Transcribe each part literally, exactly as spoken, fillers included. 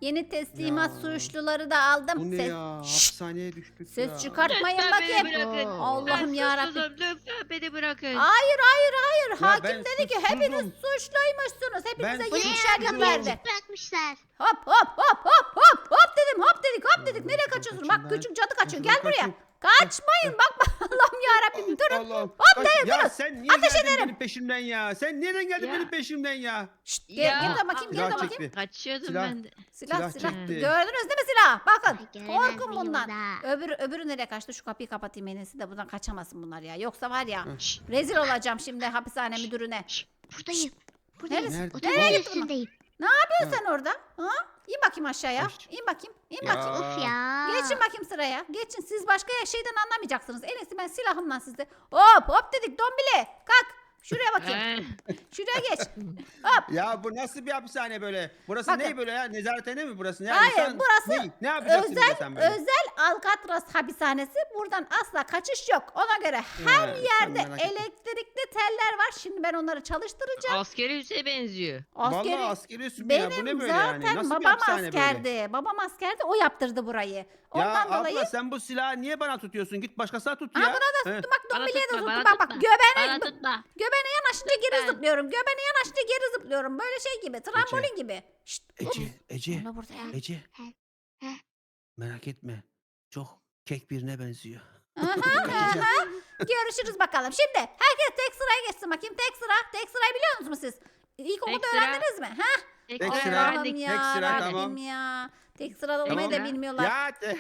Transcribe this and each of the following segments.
Yeni teslimat Ya. suçluları da aldım. Bu ne Ses, ya? Şşt, Hapishaneye düştük ses ya. çıkartmayın Lütfen beni bakayım. bırakın. Allah'ım Ben yarabbim. suçsuzum. Lütfen beni bırakın. Hayır hayır hayır. Ya Hakim ben dedi ki suçsuzum. hepiniz suçluymuşsunuz. Hepinize Ben yirmişer yıl suçsuzum. verdi. Bırakmışlar. Hop hop hop hop hop hop dedim hop dedik hop dedik. Ya, Nereye şuradan kaçıyorsun? kaçayım Bak ben. küçük cadı kaçıyor. Şuradan Gel buraya. kaçayım. Kaçmayın bak Allah'ım yarabbim durun. Allah'ım. Hop Kaç- dedim Ya durun. sen niye Ateş geldin ederim. benim peşimden ya? Sen nereden geldin Ya. benim peşimden ya? Şşt, Ya, gel, geri dön bakayım geri silah dön çekti. bakayım. Kaçıyordum Silah. ben de. Silah Silah silah. çekti. Gördünüz değil mi silah? Bakın. Ay, göremez Korkun miyim bundan. da? Öbürü, öbürü nereye kaçtı? Şu kapıyı kapatayım en iyisi de buradan kaçamasın bunlar ya. Yoksa var ya Hı. Şşt, rezil olacağım şimdi hapishane müdürüne. Buradayım. Buradayım. Neresi? Nerede? Odanın Nereye gitti bunlar? üstündeyim. Ne yapıyorsun sen orada? Ha? İn bakayım aşağıya. Aş- İn bakayım. İn Ya. bakayım. Of ya. Geçin bakayım sıraya. Geçin. Siz başka şeyden anlamayacaksınız. En iyisi ben silahımla sizi. Hop hop dedik dombili. Kalk. Şuraya bakayım. eh, Şuraya geç. Hop. Ya bu nasıl bir hapishane böyle? Burası Bakın. ne böyle ya? Nezarethane mi burası? Ya Hayır, insan- burası ne, ne yapacaksın Özel burada sen böyle? özel Alcatraz hapishanesi. Buradan asla kaçış yok. Ona göre her He, sen yerde merak etme. elektrikli teller var. Şimdi ben onları çalıştıracağım. askeri üsse benziyor. Askeri Vallahi askeri üssü mü ya? Bu benim ne böyle zaten yani? Nasıl bir babam hapishane böyle? askerdi. Babam askerdi. O yaptırdı burayı. Ondan Ya dolayı abla sen bu silahı niye bana tutuyorsun? Git başkasına tut Aa, ya. buna da He. tuttum bak Bana dombiliye de tutma, tuttum. bana Bak bak tutma. göbeğine, Bana tutma. göbeğine yanaşınca geri Lütfen. zıplıyorum. Göbeğine yanaşınca geri zıplıyorum. Böyle şey gibi. Trambolin gibi. Şşt. Ece, Ece, Ona burada ya. Ece. He, he. Merak etme. Çok kek birine benziyor. Aha, aha. Görüşürüz bakalım. Şimdi herkes tek sıraya geçsin bakayım. Tek sıra. Tek sırayı biliyor musunuz siz? İlk komutu sıra. öğrendiniz mi? Ha? Tek Tek sıra sıra. Allah'ım öğrendik. ya. Tek sıra, Rabbim tamam. ya. Tek sırada olmayı Tamam. da bilmiyorlar. Ya te-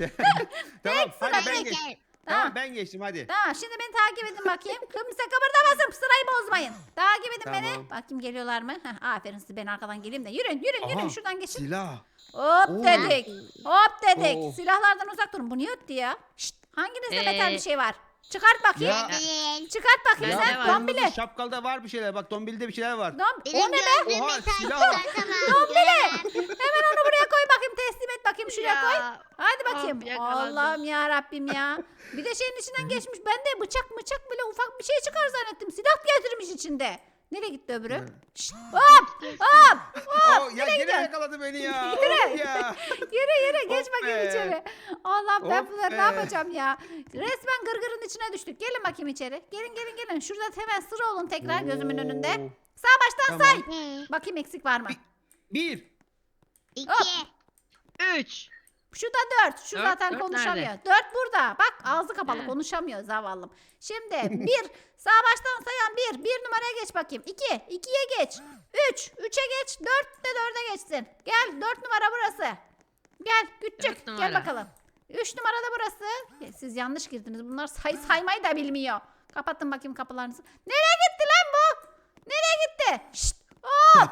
tamam hadi ben Ben geç. geçerim. Tamam Tamam. ben geçtim hadi. Tamam şimdi beni takip edin bakayım. Kimse kıpırdamasın sırayı bozmayın. Takip edin beni. Tamam. Bakayım geliyorlar mı? Heh, aferin siz ben arkadan geleyim de. Yürüyün yürüyün yürüyün Aha, şuradan geçin. Silah. Hop Oo. dedik. Hop dedik. Oo. Silahlardan uzak durun. Bu niye öttü ya? Şşt, hanginizde Ee, metal bir şey var? Çıkart bakayım. Ya. Değil. Çıkart bakayım Bende sen var. dombili. Kırmızı şapkalda var bir şeyler. Bak Dombili'de bir şeyler var. Dom Benim o ne be? gözlüğüm Oha, metal silah var. çıkartamam. Dombili. Göremem. Hemen onu buraya koy bakayım. Teslim et bakayım şuraya koy. Ya, Hadi of, bakayım. yakalandım. Allah'ım ya Rabbim ya. Bir de şeyin içinden geçmiş. Ben de bıçak bıçak böyle ufak bir şey çıkar zannettim. Silah getirmiş içinde. Nereye gitti öbürü? Hı. Şşt, hop hop. Oo, ya yine gidiyorsun? yakaladı beni ya. Yürü. Of ya. Yürü yürü geç Of bakayım be. içeri. Allah'ım ben Of bunları ne be. yapacağım ya. Resmen gırgırın içine düştük. Gelin bakayım içeri. Gelin gelin gelin. Şurada hemen sıra olun tekrar gözümün önünde. Oo. Sağ baştan Tamam. say. He, Bakayım eksik var mı? Bir. İki. Hop. Üç. Şurada dört. Şu Dört, zaten dört konuşamıyor. nerede? Dört burada. Bak ağzı kapalı He. konuşamıyor zavallım. Şimdi bir. Sağ baştan sayan bir. Bir numaraya geç bakayım. İki. İkiye geç. Üç. Üçe geç. Dört de dörde geçsin. Gel. Dört numara burası. Gel. Küçük. Dört Gel numara. bakalım. Üç numarada burası. Ya, siz yanlış girdiniz. Bunlar say saymayı da bilmiyor. Kapatın bakayım kapılarınızı. Nereye gitti lan bu? Nereye gitti? Şşt. Hop.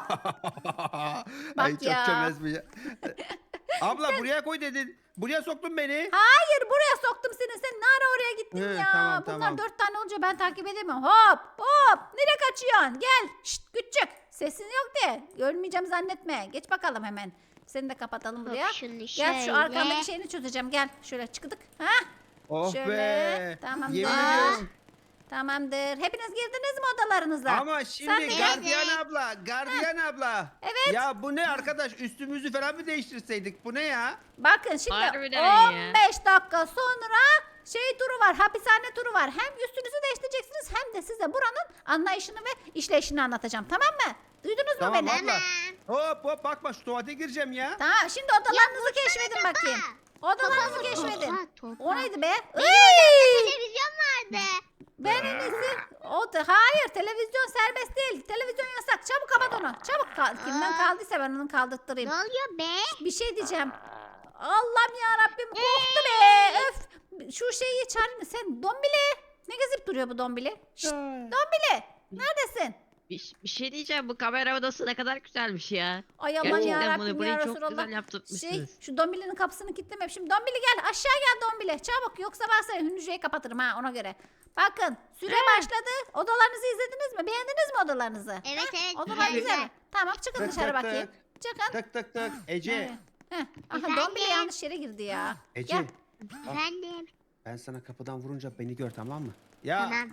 Ay çok ya. çömez bu ya. Abla buraya koy dedin. Buraya soktun beni. Hayır buraya soktum seni. Sen ne ara oraya gittin He, ya? tamam, Bunlar tamam. dört tane olunca ben takip edemiyorum. Hop hop. Nereye kaçıyorsun? Gel. Şşt küçük. Sesin yok de. Görmeyeceğim zannetme. Geç bakalım hemen. Seni de kapatalım buraya. Hop, şunu Gel şöyle. şu arkandaki şeyini çözeceğim. Gel. Şöyle çıktık. Ha? Oh Şöyle, be. tamamdır. Yemin ediyorum. Tamamdır. Hepiniz girdiniz mi odalarınıza? Ama Sen şimdi de- gardiyan abla, gardiyan abla. Evet. Ya bu ne arkadaş? Üstümüzü falan mı değiştirseydik? Bu ne ya? Bakın şimdi Harbiden ya. on beş dakika sonra şey turu var, hapishane turu var. Hem üstünüzü değiştireceksiniz hem de size buranın anlayışını ve işleyişini anlatacağım. Tamam mı? Duydunuz mu Tamam beni? abla. Hop hop bakma şu tuvalete gireceğim ya. Tamam şimdi odalarınızı keşfedin bakayım. Odalarınızı keşfedin. Topa, topa. O neydi be? Benim Iy! odamda televizyon vardı. Ben en iyisi. O da, hayır televizyon serbest değil. Televizyon yasak. Çabuk kapat onu. Çabuk kal. Kimden Aa. kaldıysa ben onu Ne kaldırttırayım. oluyor be? Bir şey diyeceğim. Allah'ım ya Rabbim korktu be. Öf. Şu şeyi çağırayım mı? Sen dombili. Ne gezip duruyor bu dombili? Şşt, dombili. Neredesin? Bir, bir şey diyeceğim, bu kamera odası ne kadar güzelmiş ya. Ay aman Gerçekten ya bunu Rabbim burayı ya çok güzel Resulallah. yaptırmışsınız. Şey, şu dombilinin kapısını kilitleme. Şimdi dombili gel aşağı gel dombili. Çabuk yoksa varsa hücreyi kapatırım ha ona göre. Bakın süre başladı. Odalarınızı izlediniz mi? Beğendiniz mi odalarınızı? Evet evet. Odalar güzel. güzel mi? Tamam çıkın Tık, dışarı tık, bakayım. Çıkın. Tık tık tık. Ece. Evet. Heh. Aha Efendim? dombili yanlış yere girdi ya. Ece. Gel. Efendim. Ben sana kapıdan vurunca beni gör tamam mı? Ya. Tamam.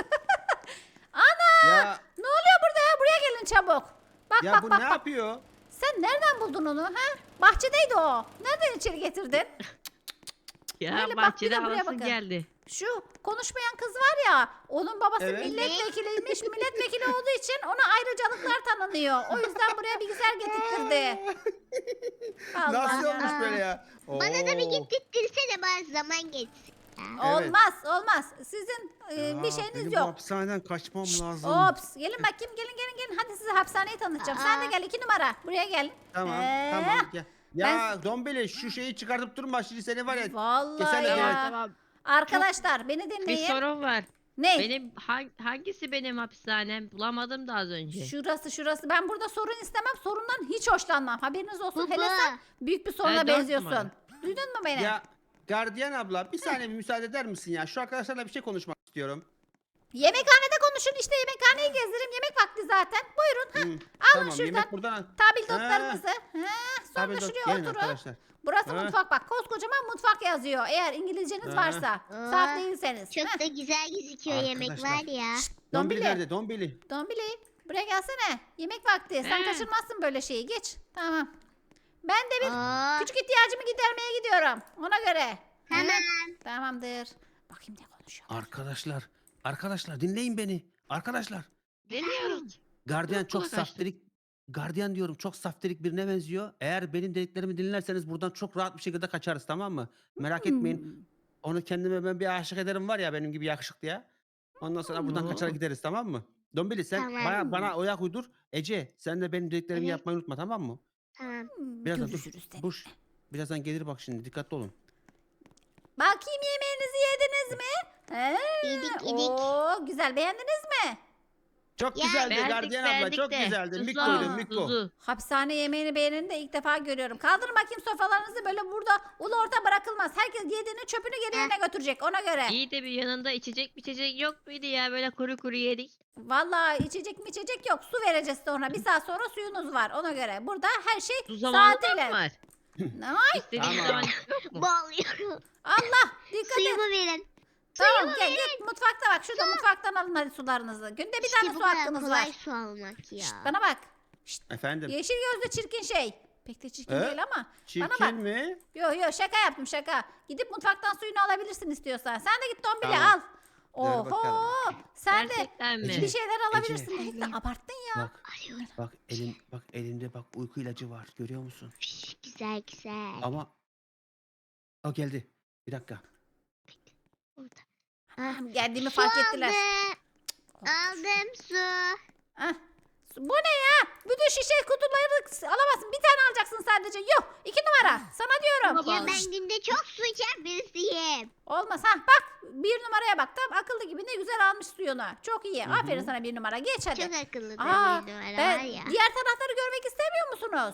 Ya. Ne oluyor burada ya? Buraya gelin çabuk. Bak Ya bak bu bak ne bak. yapıyor? Sen nereden buldun onu ha? Bahçedeydi o. Nereden içeri getirdin? Ya Böyle bak, bir de bahçede buraya alasın bakın. geldi. Şu konuşmayan kız var ya, onun babası Evet. milletvekiliymiş. Milletvekili olduğu için ona ayrıcalıklar tanınıyor. O yüzden buraya bilgisayar getirtirdi. Allah Nasıl ya. olmuş böyle ya? Bana da bir Oo. gittirtirsene bana zaman geçsin. Ya. Evet. Olmaz olmaz. Sizin e, Ya, bir şeyiniz benim bu yok. hapishaneden kaçmam lazım. Ops. Gelin bakayım, gelin gelin gelin. Hadi size hapishaneyi tanıtacağım. Sen de Aa. gel, iki numara. Buraya gel. Tamam Ee, tamam gel. Ya ben- Dombili şu şeyi çıkartıp durma şimdi seni var ya. Vallahi Keselim, ya. evet. Tamam. Arkadaşlar beni Bir dinleyin. sorun var. Ne? Benim hang- hangisi benim hapishanem? Bulamadım da az önce. Şurası şurası. Ben burada sorun istemem. Sorundan hiç hoşlanmam. Haberiniz olsun. Baba. Hele sen büyük bir soruna Evet, dört benziyorsun. numara. Duydun mu beni? Ya gardiyan abla bir saniye bir müsaade eder misin ya? Şu arkadaşlarla bir şey konuşmak istiyorum. Yemekhanede konuşun işte, yemekhaneyi gezdireyim. Yemek vakti zaten. Buyurun. Ha. Hı, Alın tamam şuradan yemek buradan. tabildotlarınızı. Ha. Sonra Tabii şuraya gelin oturun. arkadaşlar. Burası Ha. mutfak bak. Koskocaman mutfak yazıyor. Eğer İngilizceniz Ha. varsa. Aa, Saf değilseniz. Çok Heh. da güzel gözüküyor yemek Arkadaşlar. var ya. Dombili Dombili. nerede? Dombili. Dombili. Buraya gelsene. Yemek vakti. Sen He. kaçırmazsın böyle şeyi. Geç. Tamam. Ben de bir Aa, küçük ihtiyacımı gidermeye gidiyorum. Ona göre. tamam. Hı? Tamamdır. Bakayım ne konuşuyor. Arkadaşlar. Arkadaşlar dinleyin beni. Arkadaşlar. Dinliyoruz. Gardiyan Kulak çok açtı. saftirik. Gardiyan diyorum çok saftirik birine benziyor. Eğer benim dediklerimi dinlerseniz buradan çok rahat bir şekilde kaçarız tamam mı? Merak etmeyin. Hmm. Onu kendime ben bir aşık ederim var ya benim gibi yakışıklıya. Ondan sonra buradan Oo. kaçar gideriz tamam mı? Dombili sen Tamam. bana, bana oyak uydur. Ece sen de benim dediklerimi Evet. yapmayı unutma tamam mı? Tamam. Hmm, Birazdan dur. Görüşürüz de. Buş. Birazdan gelir bak şimdi dikkatli olun. Bakayım, yemeğinizi yediniz mi? He. Yedik, yedik. Oo, güzel, beğendiniz mi? Çok Ya, güzeldi Beğendik, gardiyan abla beğendik çok de. güzeldi. Tuzlu Mikko'ydun ama, Mikko. tuzlu. Hapishane yemeğini beğeneni de ilk defa görüyorum. Kaldırın bakayım sofralarınızı, böyle burada ulu orta bırakılmaz. Herkes yediğini çöpünü geri yerine götürecek, ona göre. İyi de bir yanında içecek bir içecek yok muydu ya? Böyle kuru kuru yedik. Vallahi içecek mi içecek yok. Su vereceğiz sonra. Bir saat sonra suyunuz var, ona göre. Burada her şey Su zamanı da saatiyle. mı var? Ay, İstediğin Tamam. zaman yok mu? Boğuluyorum. Allah, dikkat et. Suyumu verin. Tamam, gel git mutfakta bak. Şurada mutfaktan alın hadi sularınızı. Günde bir İşte tane bu su kadar hakkınız kolay var. su almak ya. Şşt, bana bak. Şşt, Efendim. yeşil gözlü çirkin şey. Pek de çirkin He? değil ama. Çirkin bana bak. mi? Yo yo, şaka yaptım şaka. Gidip mutfaktan suyunu alabilirsin istiyorsan. Sen de git Dombili Tamam. al. Ver Oho. bakalım. Sen de Gerçekten mi? Ece. bir şeyler alabilirsin. Ece. Dedik de abarttın ya. Bak bak elim bak elimde bak uyku ilacı var görüyor musun? Üş, güzel güzel. Ama o geldi. Bir dakika. Burada. Ah, geldiğimi Su fark ettiler. aldım. Aldım su. Ah, bu ne ya? Bütün şişe kutuları alamazsın. Bir tane alacaksın sadece. Yok. iki numara. Sana diyorum. Baba. Ya ben günde çok su içen birisiyim. Olmaz. Ha bak. Bir numaraya bak. Tam akıllı gibi ne güzel almış suyunu. Çok iyi. Hı hı. Aferin sana bir numara. Geç hadi. Çok akıllı da Aa, bir numara ben- var ya. diğer tarafları görmek istemiyor musunuz?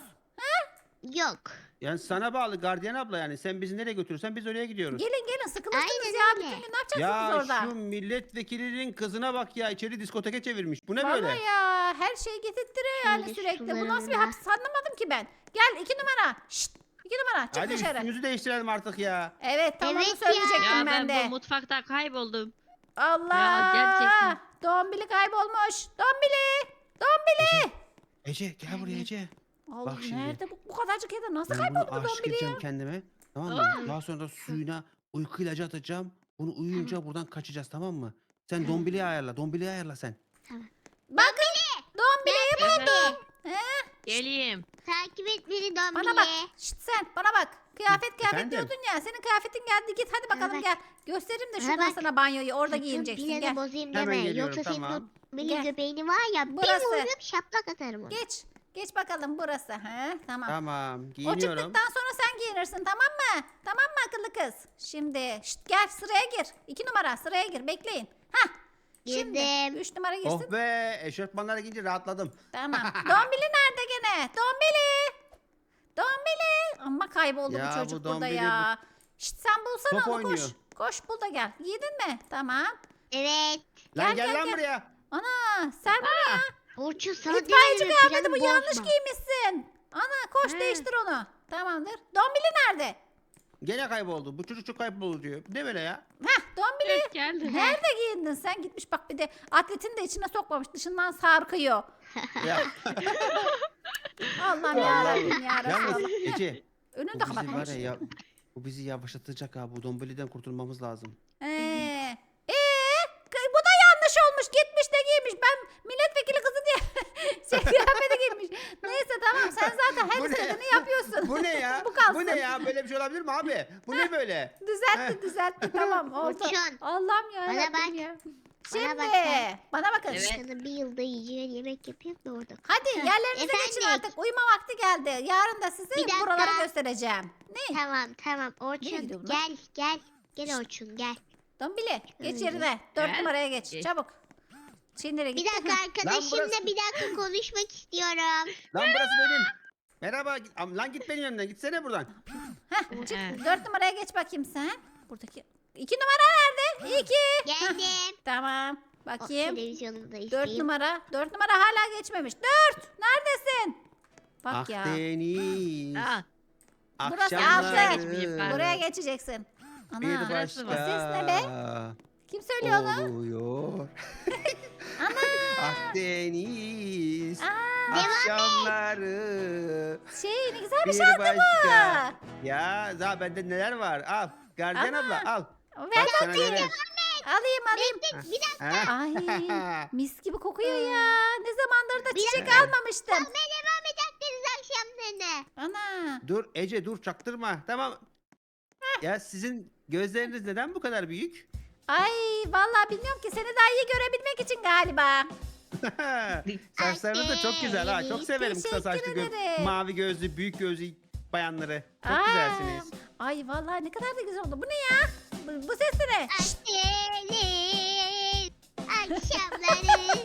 Yok. Yani sana bağlı gardiyan abla yani sen bizi nereye götürürsen biz oraya gidiyoruz. Gelin gelin, sıkılmışsınız Aynen ya. öyle. Bütün gün ne yapacaksınız Ya orada? şu milletvekilinin kızına bak ya içeri diskoteke çevirmiş. Bu ne Vallahi böyle? ya, her şeyi getirttiriyor yani Şöyle sürekli. Bu nasıl bir sularına. hapis, anlamadım ki ben. Gel iki numara. Şşt, iki numara çık Hadi dışarı. üstümüzü değiştirelim artık ya. Evet tam Evet onu ya. söyleyecektim Ya ben ben de. bu mutfakta kayboldum. Allah. gerçekten. Dombili kaybolmuş. Dombili. Dombili. Ece gel buraya Ece. Allah, Bak şimdi. nerede bu, bu kadarcık yerde nasıl Ben kayboldu bunu bu aşık Dombili ya? edeceğim kendime. Tamam mı? Daha sonra da suyuna uyku ilacı atacağım. Bunu uyuyunca buradan kaçacağız tamam mı? Sen Tamam. Dombili'yi ayarla. Dombili'yi ayarla sen. Bakın. Dombili'yi Efendim, He? geleyim. Takip et beni Dombili. Bana bak. Şşt sen bana bak. Kıyafet kıyafet Efendim? diyordun ya. Senin kıyafetin geldi. Git hadi bakalım bak. gel. Göstereyim de Bana şuradan bak. sana banyoyu. Orada Sakın giyineceksin. Yine de Gel. bozayım Hemen deme. geliyorum, Yoksa senin tamam. o Dombili Gel. göbeğini var ya Burası. bir vururum şaplak atarım onu. Geç. Geç bakalım burası. He? Tamam. Tamam O giyiniyorum. çıktıktan sonra sen giyinirsin, tamam mı? Tamam mı akıllı kız? Şimdi şşt, gel sıraya gir. İki numara sıraya gir, bekleyin. Hah. Şimdi Girdim. üç numara girsin. Oh be eşofmanlara giyince rahatladım. Tamam. Dombili nerede gene? Dombili. Dombili. Ama kayboldu Ya bu bu çocuk burada Dombili ya. Şşt, sen bulsana Top onu, koş. oynuyor. Koş bul da gel. Giydin mi? Tamam. Evet. Lan Gel, gel, gel, lan gel. buraya. Ana sen buraya. Orçun sana İtfaiyeci demedim mi? kıyafeti bu, Planı yanlış bozma. giymişsin. Ana koş He. değiştir onu. Tamamdır. Dombili nerede? Gene kayboldu. Bu çocuk çok kayboluyor. Ne böyle ya? Heh, Dombili. Evet, geldim. Nerede giyindin sen? Gitmiş bak, bir de atletini de içine sokmamış. Dışından sarkıyor. ya. Allah'ım yarabbim ya Yalnız Resulallah. Ece Önünü bu de bizi kapatmış. var ya, ya bu bizi yavaşlatacak ha. Bu Dombeli'den kurtulmamız lazım. Ee, ee, kı- bu da yanlış olmuş. Gitmiş de giymiş. Ben milletvekili kızı diye şey kıyafeti giymiş. Neyse tamam sen zaten her Bu ne? istediğini yapıyorsun. Bu ne ya? Bu kalsın. Bu ne ya? Böyle bir şey olabilir mi abi? Bu ne böyle? Düzeltti düzeltti tamam oldu. Orçun, Allah'ım ya. bana bak. ya. Bana Şimdi bak sen. bana bakın. Evet. Sana bir yılda yiyeceğin yemek yapayım da orada. Hadi Heh, yerlerinize geçin efendim? artık. Uyuma vakti geldi. Yarın da size Bir dakika. buraları göstereceğim. Ne? Tamam tamam gidiyor Orçun bunlar? gel gel. Gel Orçun gel. Dombili geç Öyle. yerine. Dört Evet. numaraya geç. Geç. Çabuk. Şimdi nereye Bir gitti? dakika Heh. arkadaşımla burası- bir dakika konuşmak istiyorum. Lan burası benim. Merhaba. git- Am- Lan git benim önümden. Gitsene buradan. Heh, çık. Evet. Dört numaraya geç bakayım sen. Buradaki. İki numara nerede? İki. Geldim. Tamam. Oh, Bakayım. televizyonumu da Dört isteyeyim. numara. Dört numara hala geçmemiş. Dört. Neredesin? Bak ya. Akdeniz. Aa, Burası akşamları altı. geçmeyeyim ben. Buraya geçeceksin. Bir Ana. burası başka var. Ses ne be? Kim söylüyor onu? oluyor. Ana. Akdeniz Aa, akşamları şey ne güzel bir bir şarkı bu. başka. Ya daha bende neler var? Al. Gardiyan Ana. abla al. Ver Bak sana bakayım. neler. Alayım alayım. Bir dakika. Ha? Ay mis gibi kokuyor ya. Ne zamandır da Bir çiçek dakika. almamıştım. Ne devam edeceksiniz akşamlarına? Ana. Dur Ece dur çaktırma. Tamam. Ya sizin gözleriniz neden bu kadar büyük? Ay vallahi bilmiyorum ki seni daha iyi görebilmek için galiba. Saçlarınız da çok güzel ha. Çok severim kısa Teşekkür saçlı, gö- ederim. mavi gözlü, büyük gözlü bayanları. Çok Aa, güzelsiniz. Ay vallahi ne kadar da güzel oldu. Bu ne ya? Bu, bu ses de ne? Akdeniz akşamları.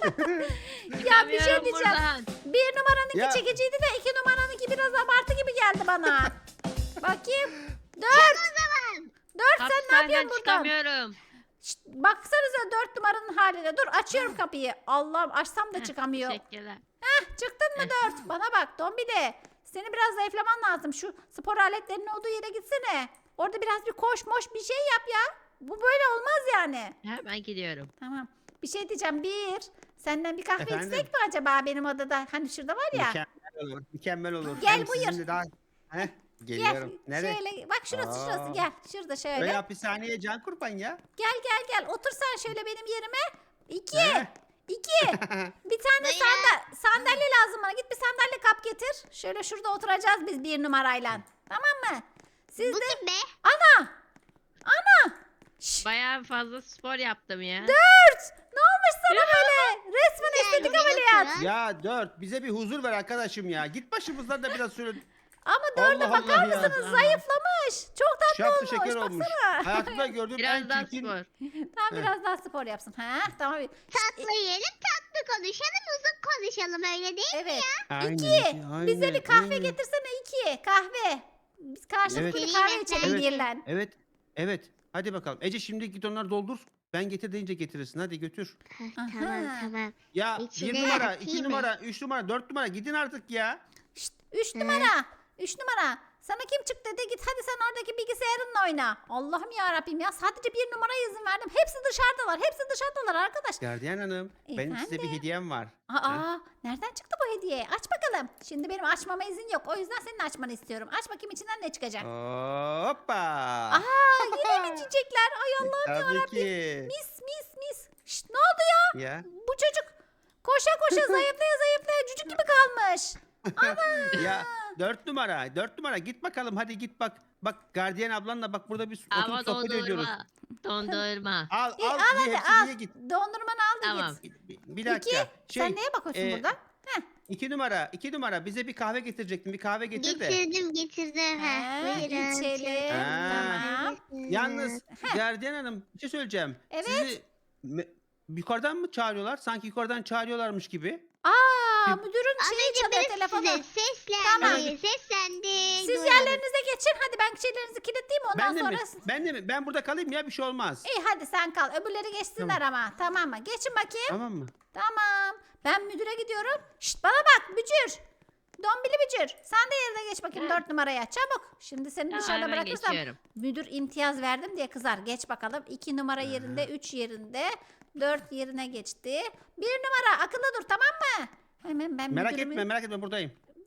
Ya bir şey çıkamıyorum diyeceğim. buradan. Bir numaranınki Ya. çekiciydi de iki numaranınki biraz abartı gibi geldi bana. Bakayım. Dört. Dört sen ne Hapishaneden yapıyorsun buradan? çıkamıyorum. Şşt, baksanıza dört numaranın haline. Dur açıyorum kapıyı. Allah'ım açsam da Heh, çıkamıyor. Teşekkürler. Çıktın mı dört? Bana bak Dombili. Seni biraz zayıflaman lazım. Şu spor aletlerinin olduğu yere gitsene. Orada biraz bir koş moş bir şey yap ya. Bu böyle olmaz yani. Hemen gidiyorum. Tamam. Bir şey diyeceğim. Bir. Senden bir kahve Efendim? içsek mi acaba benim odada? Hani şurada var ya. Mükemmel olur. Mükemmel olur. Gel, Hem buyur. sizin de daha... Heh, geliyorum. Gel. Nereye? Şöyle bak şurası şurası Aa. gel. Şurada şöyle. Öyle hapishaneye can kurban ya. Gel gel gel. Otur sen şöyle benim yerime. İki. Heh. İki. Bir tane Buyurun. sandalye, sandalye lazım bana. Git bir sandalye kap getir. Şöyle şurada oturacağız biz bir numarayla. Tamam mı? Siz Bu de... kim be? Ana! Ana! Şşş! Bayağı fazla spor yaptım ya. Dört! Ne olmuş sana böyle? Resmen Gel, estetik gel ameliyat. otur. Ya dört bize bir huzur ver arkadaşım ya. Git başımızdan da biraz şöyle Ama dörde Allah bakar Allah ya. mısınız? Zayıflamış. Çok tatlı şaptı olmuş. şeker olmuş. Baksana. Hayatımda gördüğüm en Biraz daha çirkin... spor. Tamam Heh. biraz daha spor yapsın. Ha, tamam. Tatlı yiyelim tatlı konuşalım uzun konuşalım öyle değil mi? Evet. Aynen, İki. aynen, Bize bir kahve aynen. getirsene iki. Kahve. Biz karşılıklı Evet. bir kahve Evet. içelim Evet. birlen. Evet. Evet. Hadi bakalım. Ece şimdi git onları doldur. Ben getir deyince getirirsin. Hadi götür. Heh, Aha. tamam tamam. Ya İçine bir numara, atayım iki mı? numara, üç numara, dört numara gidin artık ya. Şşt, üç Hı. numara. Üç numara. Sana kim çıktı dedi git hadi sen oradaki bilgisayarınla oyna. Allah'ım ya Rabbim ya sadece bir numaraya izin verdim. Hepsi dışarıdalar. Hepsi dışarıdalar arkadaş. Gardiyan hanım, benim size bir Efendim? hediyem var. Aa, nereden çıktı bu hediye? Aç bakalım. Şimdi benim açmama izin yok. O yüzden senin açmanı istiyorum. Aç bakayım içinden ne çıkacak. Hoppa. Aa, yine mi çiçekler? Ay Allah'ım Tabii yarabbim. ki. Mis mis mis. Şşt, ne oldu ya? Ya. Bu çocuk koşa koşa zayıflaya zayıflaya cücük gibi kalmış. Ya dört numara, dört numara git bakalım hadi git bak. Bak gardiyan ablanla bak burada bir Ama oturup sohbet ediyoruz. dondurma. Dondurma. Al İyi, al, al ye, hadi hepsini al. ye git. Dondurmanı al da Tamam. git. Bir, bir dakika. İki. Şey, Sen neye bakıyorsun e, burada? Heh. iki numara, iki numara bize bir kahve getirecektin. Bir kahve getir de. Getirdim getirdim. Ha, Heh, buyurun. içelim. Ha. Tamam. Yalnız gardiyan hanım bir şey söyleyeceğim. Evet. Sizi me- yukarıdan mı çağırıyorlar? Sanki yukarıdan çağırıyorlarmış gibi. Aa, Bir- müdürün Az şeyi önce çalıyor biri telefonu. size seslendi. Tamam. Seslendi. Siz duymadım. yerlerinize geçin. Hadi ben şeylerinizi kilitleyeyim ondan Ben de sonra. mi? Ben de mi? Ben burada kalayım ya bir şey olmaz. İyi hadi sen kal. Öbürleri geçsinler ama. Tamam mı? Geçin bakayım. Tamam mı? Tamam. Ben müdüre gidiyorum. Şşt bana bak Bücür. Dombili Bücür. Sen de yerine geç bakayım Ha. dört numaraya. Çabuk. Şimdi seni Ya, dışarıda hemen bırakırsam geçiyorum. müdür imtiyaz verdim diye kızar. Geç bakalım. iki numara yerinde, üç yerinde, dört yerine geçti. Bir numara akıllı dur tamam mı? Hemen ben Merak müdürümü... etme merak etme buradayım.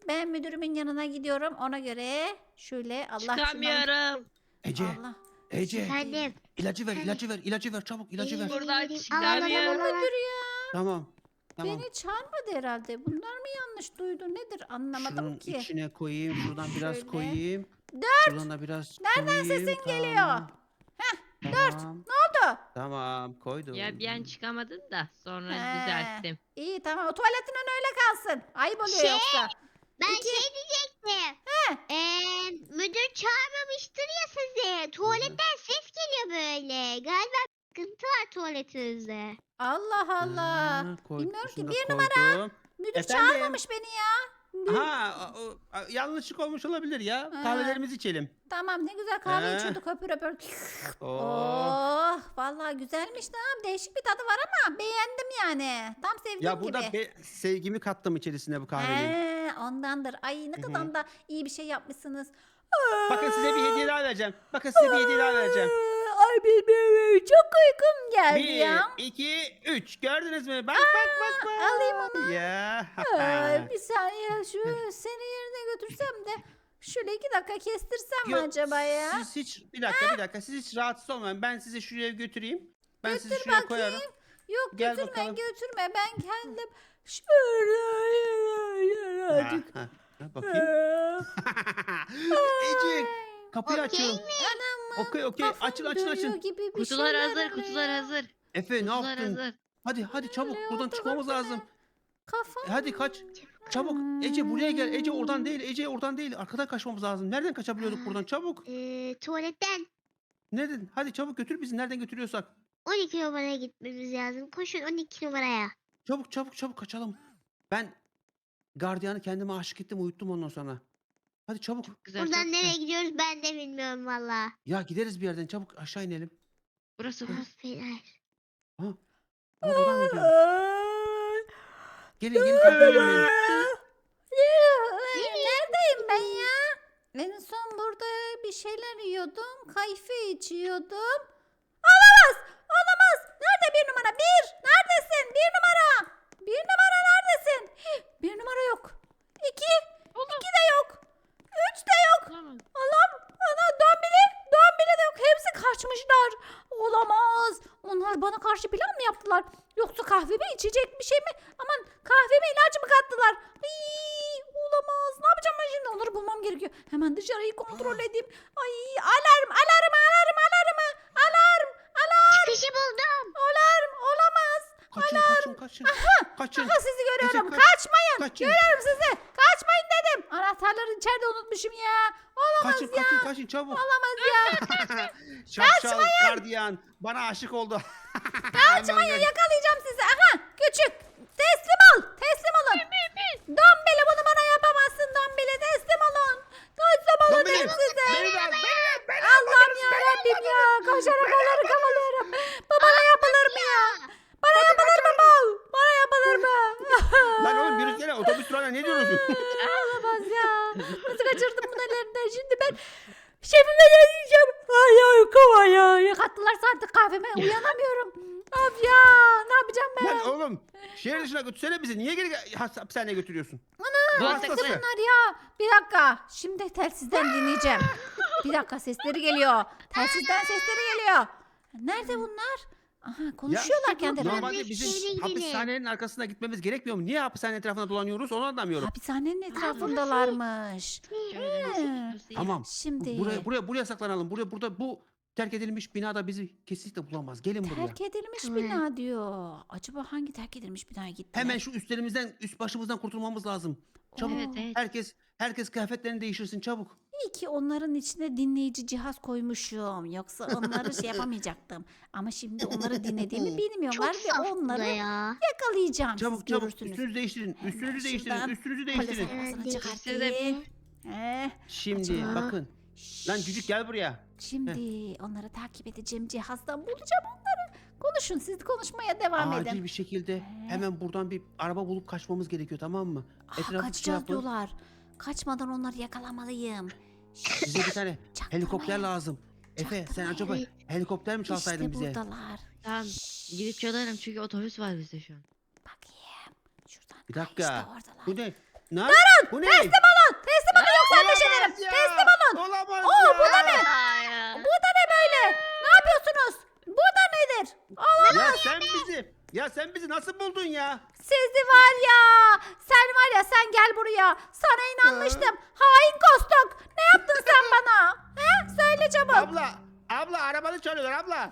Ben müdürümün yanına gidiyorum. Ona göre şöyle Allah şundan- Çıkamıyorum. Ece, Allah. Ece. Efendim. İlacı ver, ilacı ver, ilacı ver çabuk, ilacı ver. Buradan Al, al, al, al, çıkamıyorum. al, al. Müdür ya. Tamam. Tamam. Beni çağırmadı herhalde. Bunlar mı yanlış duydu? Nedir anlamadım Şunun ki. içine koyayım, şuradan biraz Şöyle. koyayım. Dört. Şuradan da biraz Nereden koyayım. sesin geliyor? Tamam. Heh, dört. Ne oldu? Tamam, koydum. Ya bir an çıkamadın da sonra He. düzelttim. İyi tamam. O tuvaletinin öyle kalsın. Ayıp oluyor Şey, yoksa. Ben İki. şey diyecektim. He. Ee, müdür çağırmamıştır ya sizi. Tuvaletten ses geliyor böyle. Galiba sıkıntı var tuvaletinizde. Allah Allah. Ha, koy- Bilmiyorum ki. şunu da Bir koydum. Müdür Efendim? çağırmamış beni ya. Ha, o- o- a- yanlışlık olmuş olabilir ya. Ha. Kahvelerimizi içelim. Tamam ne güzel kahve He. içiyorduk öpür öpür. Oo. Oh vallahi güzelmiş tamam. Değişik bir tadı var ama beğendim yani. Tam sevdiğim Ya burada gibi. be- sevgimi kattım içerisine bu kahvenin. He, ondandır. Ay ne Hı hı. kadar da iyi bir şey yapmışsınız. Bakın size bir hediye daha vereceğim. Bakın size bir hediye daha vereceğim. Ay benim çok uykum geldi Bir, ya. iki, üç. Gördünüz mü? Bak bak bak bak. alayım onu. Ya. Ay, bir saniye şu seni yerine götürsem de şöyle iki dakika kestirsem mi Yok, acaba ya? Siz hiç bir dakika bir dakika siz hiç rahatsız olmayın. Ben sizi şuraya götüreyim. Ben sizi Götür şuraya bakayım. koyarım. Yok Gel götürme bakalım. götürme ben kendim şöyle Ha, birazcık. ha, ha, bakayım. Ece kapıyı Okey açıyorum. Anam Okey okey kafam açın açın dönüyor açın. gibi bir Kutular şeyler hazır, oluyor. kutular hazır. Efe ne Kutular yaptın? hazır. Hadi hadi çabuk Öyle buradan oldu çıkmamız baksana. lazım. Kafam. E, Hadi kaç. Çabuk. Ece buraya gel. Ece oradan değil. Ece oradan değil. Arkadan kaçmamız lazım. Nereden kaçabiliyorduk buradan? Çabuk. Ee, tuvaletten Nereden? Hadi çabuk götür bizi. Nereden götürüyorsak. on iki numaraya gitmemiz lazım. Koşun on iki numaraya. Çabuk çabuk çabuk kaçalım. Ben gardiyanı kendime aşık ettim. Uyuttum ondan sonra. Hadi çabuk. Güzel, Buradan çok nereye güzel. gidiyoruz ben de bilmiyorum valla. Ya gideriz bir yerden. Çabuk aşağı inelim. Burası burası. Aferin. Ha. Ha buradan mı gidiyoruz? Ay. Gelin gelin takip edin beni. Neredeyim ben ya? En son burada bir şeyler yiyordum. Kayfe içiyordum. Olamaz! Olamaz! Nerede bir numara? Bir! Neredesin? Bir numara! Bir numara neredesin? Hih, bir numara yok. İki! İki de yok. Üç de yok. Tamam. Allah'ım! Ana Dombili! Dombili de yok. Hepsi kaçmışlar. Olamaz. Onlar bana karşı plan mı yaptılar? Yoksa kahvemi içecek bir şey mi? Aman kahveme ilaç mı kattılar? Ay, olamaz. Ne yapacağım ben şimdi? Onları bulmam gerekiyor. Hemen dışarıyı kontrol edeyim. Ay alarm alarm alarm alarm alarm alarm Çıkışı buldum. alarm olamaz. Kaçın kaçın kaçın. Kaçın. Aha sizi görüyorum. kaç- Kaçmayın. kaçın. Görüyorum sizi. Kaçmayın dedim. Anahtarları içeride unutmuşum ya. Olamaz Kaçın ya. kaçın kaçın çabuk. Olamaz ya. Şapşal gardiyan bana aşık oldu. Kaçmayın yakalayacağım sizi. Aha küçük. Teslim ol. Teslim olun. Dombili bunu bana yapamazsın Dombili. Teslim olun. Teslim olun Dombili, dedim size. beni de al, beni de, beni de. Allah'ım ya Rabbim ya. Koşarak onları kavalıyorum. Bu bana yapılır mı ya? Bana yapılır mı bu? Bana yapılır mı? Lan oğlum yürü gene otobüs durağına ne diyorsun? Olamaz ya. Nasıl kaçırdım bunu ellerinden? Şimdi ben şefime ne diyeceğim? Ay ay kova ya. Yakattılar artık kahveme. Uyanamıyorum. Of ya. Ne yapacağım ben? Lan oğlum şehir dışına götürsene bizi. Niye geri has- hapishaneye götürüyorsun? Bu hastası. hastası. Bunlar ya. Bir dakika. Şimdi telsizden dinleyeceğim. Bir dakika sesleri geliyor. Telsizden sesleri geliyor. Nerede bunlar? Aha konuşuyorlar Ya, kendilerine. Normalde Şehre bizim gidelim. hapishanenin arkasına gitmemiz gerekmiyor mu? Niye hapishane etrafında dolanıyoruz onu anlamıyorum. Hapishanenin etrafındalarmış. Şöyle burası, He. burası iyi. Tamam. Şimdi Buraya buraya buraya saklanalım. Buraya burada bu terk edilmiş binada bizi kesinlikle bulamaz. Gelin buraya. terk edilmiş Tamam. bina diyor. Acaba hangi terk edilmiş binaya gittiler? Hemen şu üstlerimizden, üst başımızdan kurtulmamız lazım. Çabuk. Evet evet. Herkes herkes kıyafetlerini değiştirsin çabuk. İyi ki onların içine dinleyici cihaz koymuşum. Yoksa onları şey yapamayacaktım. Ama şimdi onları dinlediğimi bilmiyorlar Çok ve saf bu da onları ya. yakalayacağım. Çabuk Siz çabuk görürsünüz. üstünüzü değiştirin. Hemen Üstünüzü değiştirin. şuradan Üstünüzü Polis değiştirin. arabasını Evet, çıkartayım. Eh, Şimdi Acaba- bakın. Lan cücük gel buraya. Şimdi onları takip edeceğim cihazdan bulacağım onları. Konuşun siz konuşmaya devam Acil edin. bir şekilde hemen buradan bir araba bulup kaçmamız gerekiyor tamam mı? Ah, Etrafı şey kaçacağız yapın. diyorlar. Kaçmadan onları yakalamalıyım. Bize bir tane helikopter Çaktırmayın. lazım. Efe sen acaba Evet. helikopter mi çalsaydın İşte bize? buradalar. Tamam. Şşş, Gidip çalarım çünkü otobüs var bizde şu an. bakayım. Şuradan. Bir Ha, dakika. İşte oradalar. Bu ne? Ne? Bu ne? Teslim olun. Teslim olun yoksa ateş ederim. Olamaz ya. Teslim olun. Olamaz Oo, ya. bu da ne? Hayır. Bu da ne böyle? Ne yapıyorsunuz? Bu da nedir? Allah. Ya sen bizi, ya sen bizi nasıl buldun ya? Sizi var ya. Sen var ya sen gel buraya. Sana inanmıştım. Hain Kostok. Ne yaptın sen bana? He? Söyle çabuk. Abla, abla arabanı çalıyorlar abla.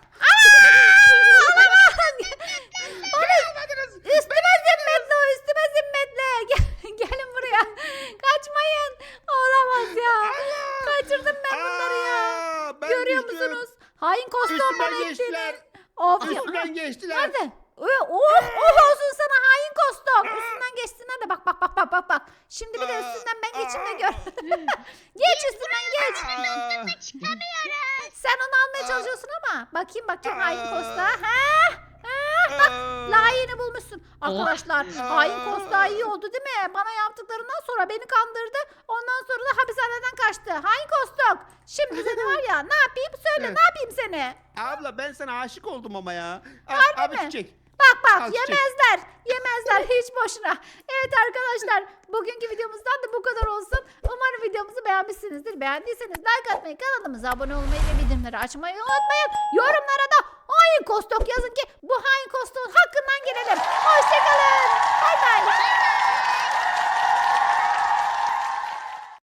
Üstüme zimmetli o üstüme zimmetli. Gel, gelin buraya. Kaçmayın. Olamaz ya. Kaçırdım ben bunları ya. Aa, ben Görüyor düştüm. musunuz? Hain Kostok Üstümden bana geçtiler. ettiğini. Of ya. Üstümden geçtiler. Nerede? Oh, oh, oh olsun sana hain Kostok. Üstünden geçsin hadi bak bak bak bak bak bak. Şimdi bir de üstünden ben geçeyim de gör. Geç üstünden geç. Aa, Çıkamıyoruz. Sen onu almaya çalışıyorsun ama. Bakayım bakayım hain Aa. Kosta. Ha? Ha? aa. Layığını bulmuşsun. Oh. Arkadaşlar hain Kosta iyi oldu değil mi? Bana yaptıklarından sonra beni kandırdı. Ondan sonra da hapishaneden kaçtı. Hain Kostok. Şimdi seni var ya ne yapayım söyle ne yapayım seni? Abla ben sana aşık oldum ama ya. Al, Harbi abi mi? çiçek. Bak bak Al çiçek. yemezler. Yemezler hiç boşuna. Evet arkadaşlar bugünkü videomuzdan da bu kadar olsun. Umarım videomuzu beğenmişsinizdir. Beğendiyseniz like atmayı, kanalımıza abone olmayı ve bildirimleri açmayı unutmayın. Yorumlara da hain Kostok yazın ki bu hain Kostok'un hakkından gelelim. Hoşçakalın.